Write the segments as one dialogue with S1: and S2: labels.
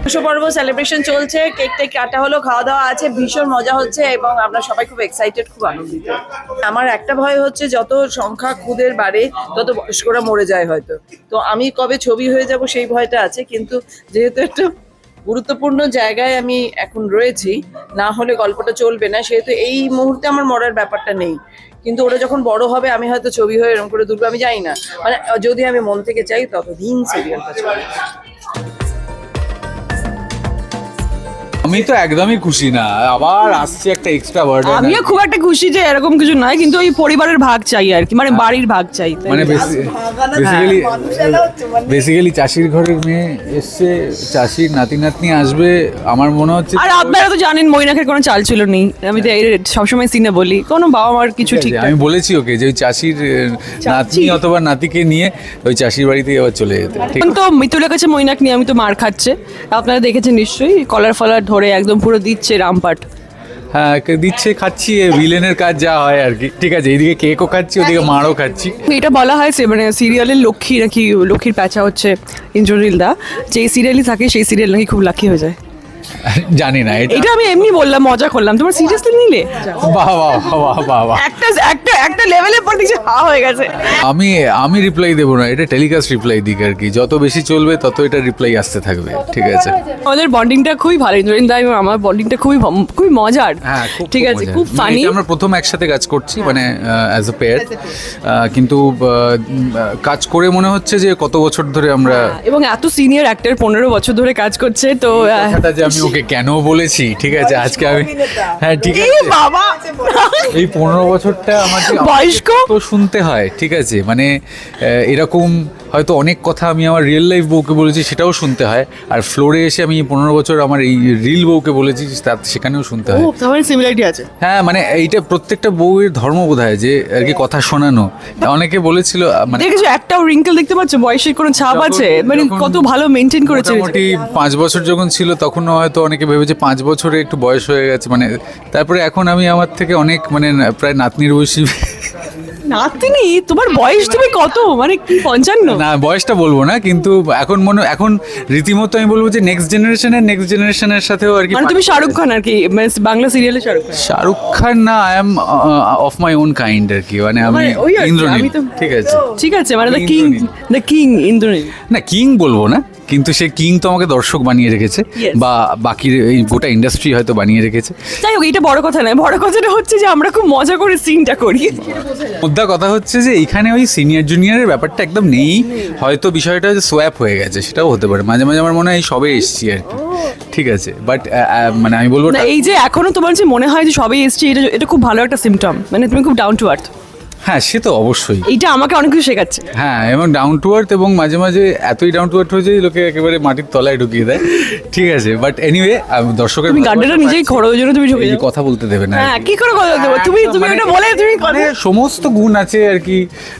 S1: পর্ব সেলিব্রেশন চলছে, cake take কাটা হলো, খাওয়া দাওয়া আছে, ভীষণ মজা হচ্ছে এবং আমরা সবাই খুব এক্সাইটেড, খুব আনন্দিত। আমার একটা ভয় হচ্ছে যত সংখ্যা খুদের বাড়ে তত বয়স্করা মরে যায় হয়তো, তো আমি কবে ছবি হয়ে যাব সেই ভয়টা আছে। কিন্তু যেহেতু একটা গুরুত্বপূর্ণ জায়গায় আমি এখন রয়েছি, না হলে গল্পটা চলবে না, সেহেতু এই মুহূর্তে আমার মরার ব্যাপারটা নেই। কিন্তু ওরা যখন বড় হবে আমি হয়তো ছবি হয়ে এরকম করে দুলবো, আমি জানি না, মানে যদি আমি মন থেকে চাই ততদিন সিরিয়ালটা চলবে।
S2: আমি তো একদমই খুশি না, আবার আসছে একটা এক্সট্রা বার্ডেন।
S3: আমিও খুব একটা খুশি যে এরকম কিছু নয়, কিন্তু ওই পরিবারের ভাগ চাই আর কি, মানে বাড়ির ভাগ চাই।
S2: মানে বেসিক্যালি চাষির ঘরের মেয়ে এসছে, চাষির নাতি নাতনি আসবে, আমার মনে হচ্ছে।
S3: আর আপনারা তো জানেন মৈনাকের কোনো চাল ছিল নেই, আমি তো সবসময় সিনে বলি কোনো বাবা মার কিছু ঠিক।
S2: আমি বলেছি ওকে যে ওই চাষির নাতনি অথবা নাতিকে নিয়ে ওই চাষির বাড়িতে আবার চলে যেতে।
S3: এখন তো মিতুলের কাছে মৈনাক নিয়ে আমি তো মার খাচ্ছে, আপনারা দেখেছেন নিশ্চয়ই, কলার ফলার ধরে একদম পুরো দিচ্ছে রামপাট।
S2: হ্যাঁ দিচ্ছে, খাচ্ছি, ভিলেনের কাজ যা হয় আর কি। ঠিক আছে, এইদিকে কেকও খাচ্ছি, ওদিকে মারও খাচ্ছি।
S3: এটা বলা হয় মানে সিরিয়ালের লক্ষ্মী নাকি, লক্ষ্মীর প্যাঁচা হচ্ছে ইন্দ্রনীল দা, যে সিরিয়ালই থাকে সেই সিরিয়াল নাকি খুব লাকি হয়ে যায়।
S2: জানি না,
S3: এটা আমি এমনি বললাম, মজা করলাম, তোমার সিরিয়াসলি নিলে?
S2: বাহ বাহ বাহ বাহ বাহ,
S3: একটা একটা একটা লেভেলের পর দেখছি হা হয়ে গেছে।
S2: আমি রিপ্লাই দেবো না, এটা টেলিকাস্ট রিপ্লাই দিক আর কি, যত বেশি চলবে তত এটা রিপ্লাই আসতে থাকবে। ঠিক আছে,
S3: আমাদের বন্ডিংটা খুবই ভালো, ইন্দ্রনীল দা এবং আমার বন্ডিংটা খুবই মজার।
S2: হ্যাঁ
S3: ঠিক আছে, খুব ফানি।
S2: আমরা প্রথম একসাথে কাজ করছি, মানে অ্যাজ এ পেয়ার, কিন্তু কাজ করে মনে হচ্ছে যে কত বছর ধরে আমরা,
S3: এবং এত সিনিয়র অ্যাক্টর 15 বছর ধরে কাজ করছে, তো
S2: কথাটা যে আমি ওকে কেন বলেছি, ঠিক আছে আজকে আমি, হ্যাঁ ঠিক
S3: এই
S2: আছে,
S3: বাবা
S2: এই 15 বছরটা আমাকে
S3: বয়স্ক
S2: তো শুনতে হয়। ঠিক আছে, মানে এরকম হয়তো অনেক কথা আমি আমার রিয়েল লাইফ বউকে বলেছি, সেটাও শুনতে হয়, আর ফ্লোরে এসে আমি 15 বছর আমার এই রিল বউকে বলেছি, সেখানেও শুনতে হয়।
S3: তাহলে সিমিলারিটি আছে।
S2: হ্যাঁ, মানে এইটা প্রত্যেকটা বউয়ের ধর্ম বোধহয় যে আর কি কথা শোনানো। অনেকে বলেছিল, মানে
S3: দেখেছো একটাও রিঙ্কেল দেখতে পাচ্ছ, বয়সের কোনো ছাপ আছে, মানে কত ভালো মেনটেন করেছে।
S2: মোটামুটি 5 বছর যখন ছিল তখন হয়তো অনেকে ভেবেছে 5 বছরে একটু বয়স হয়ে গেছে, মানে তারপরে এখন আমি আমার থেকে অনেক, মানে প্রায় নাতনির বয়সী।
S3: নাতনি? তোমার বয়স তুমি কত, মানে কি 55?
S2: না, বয়সটা বলবো না, কিন্তু এখন রীতিমতো আমি বলবো যে নেক্সট জেনারেশনের সাথেও আর কি।
S3: মানে তুমি শাহরুখ খান আর কি, মানে বাংলা সিরিয়ালে
S2: শাহরুখ খান না, I am of my own kind আর কি, মানে আমি ইন্দ্রনীল।
S3: ঠিক আছে, মানে দ্য কিং ইন্দ্রনীল।
S2: না, কিং বলবো না, কিন্তু সে কিং তো আমাকে দর্শক বানিয়ে রেখেছে, বা বাকি এই গোটা ইন্ডাস্ট্রি হয়তো বানিয়ে রেখেছে।
S3: যাই হোক, এটা বড় কথা নয়, বড় কথাটা হচ্ছে যে আমরা খুব মজা করে সিনটা করি।
S2: মুদ্রা কথা হচ্ছে যে এখানে ওই সিনিয়র জুনিয়রের ব্যাপারটা একদম নেই, হয়তো বিষয়টা যে সোয়াপ হয়ে গেছে, সেটাও হতে পারে। মাঝে মাঝে আমার মনে হয় সবে এসছি আর কি। ঠিক আছে, বাট মানে আমি বলবো
S3: না, এই যে এখনো তোমার যে মনে হয় যে সবে এসছি, এটা খুব ভালো একটা সিমটম, মানে তুমি খুব ডাউন টু আর্থ।
S2: হ্যাঁ, সে তো অবশ্যই,
S3: এইটা আমাকে অনেক কিছু শেখাচ্ছে।
S2: হ্যাঁ, এবং ডাউন টু আর্থ, এবং মাঝে মাঝে এতই ডাউন টু আর্থ হয়ে যায় লোকে একেবারে মাটির তলায় ঢুকিয়ে দেয়। ঠিক আছে, বাট এনিওয়ে, দর্শকের
S3: তুমি গাড্ডাটা নিজেই খড়ো, ওই জন্য তুমি ঢুকে যাও।
S2: কথা বলতে দেবে না।
S3: হ্যাঁ, কি করে কথা দেবো? তুমি এটা বলে তুমি
S2: মানে সমস্ত গুণ আছে আর কি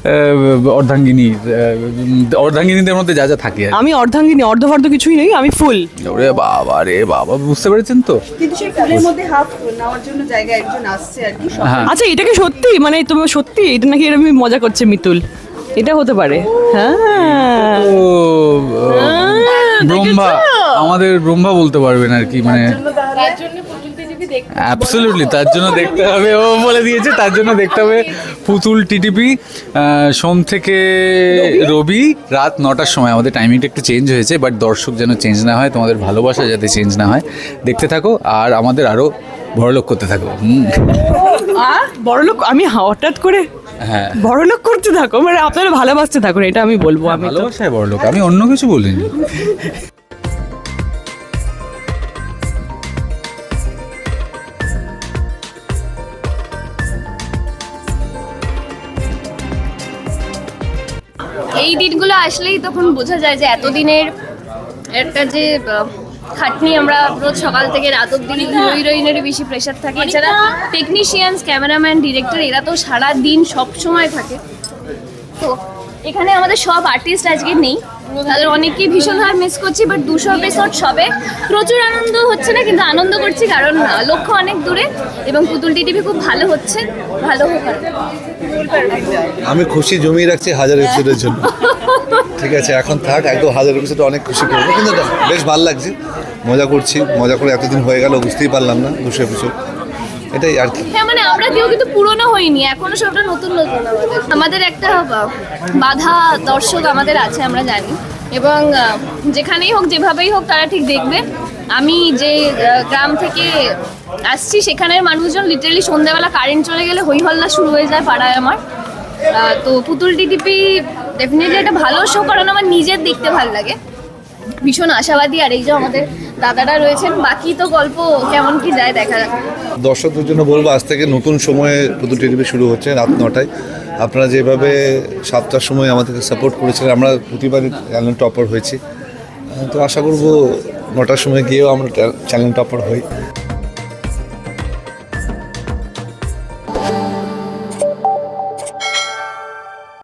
S2: অর্ধাঙ্গিনীদের মধ্যে যা যা থাকে।
S3: আমি অর্ধাঙ্গিনী, অর্ধভর্ধ কিছুই নেই, আমি ফুল।
S2: ওরে বাবা রে বাবা, বুঝতে পেরেছেন তো?
S1: কিন্তু সেই ফুলের মধ্যে হাফ নেওয়ার জন্য জায়গা একজন আসছে আর কি।
S3: আচ্ছা, এটা কি সত্যি, মানে তুমি সত্যি এটা নাকি এরকম মজা করছে মিতুল? এটা হতে পারে। হ্যাঁ,
S2: ব্রহ্মা, আমাদের ব্রহ্মা বলতে পারবেন আর কি, মানে অ্যাবসলিউটলি তার জন্য দেখতে হবে, ও বলে দিয়েছে, তার জন্য দেখতে হবে পুতুল টিটিপি, সোম থেকে রবি রাত 9টার সময়। আমাদের টাইমিংটা একটু চেঞ্জ হয়েছে, বাট দর্শক যেন চেঞ্জ না হয়, তোমাদের ভালোবাসা যাতে চেঞ্জ না হয়, দেখতে থাকো আর আমাদের আরও বড়লোক করতে থাকো।
S3: বড়লোক? আমি হঠাৎ করে
S2: হ্যাঁ,
S3: বড়লোক করতে থাকো, মানে আপনারা ভালোবাসতে থাকুন, এটা আমি বলবো। আমি
S2: ভালোবাসায় বড়লোক, আমি অন্য কিছু বলিনি।
S4: এই দিনগুলো আসলেই তখন বোঝা যায় যে এতদিনের একটা যে খাটনি, আমরা রোজ সকাল থেকে রাত অব্দি হিরোইনেরই বেশি প্রেশার থাকে, এছাড়া টেকনিশিয়ানস, ক্যামেরাম্যান, ডিরেক্টর, এরা তো সারা দিন সব সময় থাকে। তো এখানে আমাদের সব আর্টিস্ট আজকে নেই, তাদের অনেককেই ভীষণভাবে মিস করছি, বাট 200 এপিসোড সবে, প্রচুর আনন্দ হচ্ছে না কিন্তু আনন্দ করছি কারণ লক্ষ্য অনেক দূরে এবং পুতুল টিভি খুব ভালো হচ্ছে, ভালো হোক আরো।
S5: আমি খুশি জমিয়ে রাখছি 1000 এপিসোডের জন্য। ঠিক আছে, এখন থাক, একদম 1000 এপিসোড অনেক খুশি করবো, কিন্তু বেশ ভালো লাগছে, মজা করছি, মজা করে এতদিন হয়ে গেল বুঝতেই পারলাম না 200 এপিসোড, এটাই আর কি।
S4: হ্যাঁ মানে আমরা কেউ কিন্তু পুরনো হইনি, এখনো সবটা নতুন নতুন। আমাদের একটা বাধা দর্শক আমাদের আছে আমরা জানি, এবং যেখানেই হোক যেভাবেই হোক তারা ঠিক দেখবে। আমি যে গ্রাম থেকে আসছি সেখানের মানুষজন লিটারালি সন্ধ্যাবেলা কারেন্ট চলে গেলে হই হল্লা শুরু হয়ে যায় পাড়ায় আমার। তো পুতুল টিভি ডেফিনেটলি একটা ভালো শো, কারণ আমার নিজের দেখতে ভালো লাগে, ভীষণ আশাবাদী। আর এই যে আমাদের দাদারা রয়েছেন, বাকি তো গল্প কেমন কি যায় দেখা যাক।
S5: দর্শকদের জন্য বলবো, আজ থেকে নতুন সময়ে পুতুল টিভি শুরু হচ্ছে রাত 9টায়। আপনারা যেভাবে 7টার সময় আমাদেরকে সাপোর্ট করেছিলেন, আমরা প্রতিবারই চ্যানেল টপার হয়েছি, তো আশা করবো 9টার সময় গিয়েও আমরা চ্যানেল টপার হই।